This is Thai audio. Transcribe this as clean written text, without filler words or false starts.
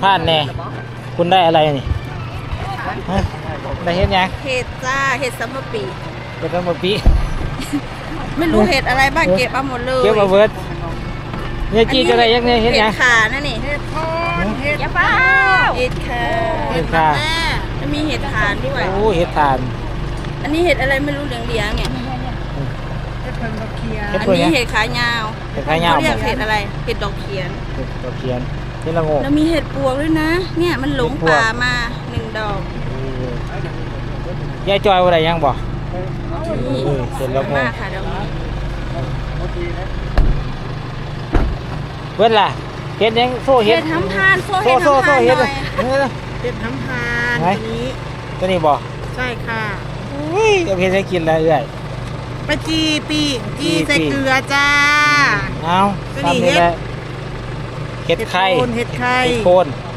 พานแน่คุณได้อะไรนี่ฮะได้เห็ดยังเห็ดจ้าเห็ดซัมเมอร์ปีเห็ดทั้งหมดปีไม่รู้เห็ดอะไรบ้างเก็บเอาหมดเลยเก็บมาเบิดเนี่ยจี้จะได้ยังเนี่ยเห็ดยังขานั่นนี่เห็ดทอนเห็ดเป้าเห็ดขาเห็ดค่ะจะมีเห็ดทานด้วยโอ้เห็ดทานอันนี้เห็ดอะไรไม่รู้เหลืองๆเนี่ยเห็ดอันเพื่อนนี้เนี่ยเห็ดขายาวเห็ดขายาวเขาเรียกเห็ดอะไรเห็ดดอกเขียนเห็ดตะเคียนเห็ดละโงกแล้วมีเห็ดปวกด้วยนะ เนี่ยมันหลงป่ามา1 ดอกยายจอยว่าอะไรยังบ่นี่เห็ดละโงมาก กค่ะดอกนี้เบิดล่ะเห็ดยังโซ่เห็เห็ดดทำทานโซ่โซ่เห็ดโซ่ทำโซ่ทานหเห็ดน่อยเห็ดทำทานไหนตัวนี้ตัวนี้บ่ใช่ค่ะอุ้ยเอาเห็ดให้กินแล้วเอื่อยปลาจีปีกจีใส่จีเกลือจ้าเอาตัวนี้ทำนี่แหละเห็ดไข่เห็ดไข่เห็ดโคนเ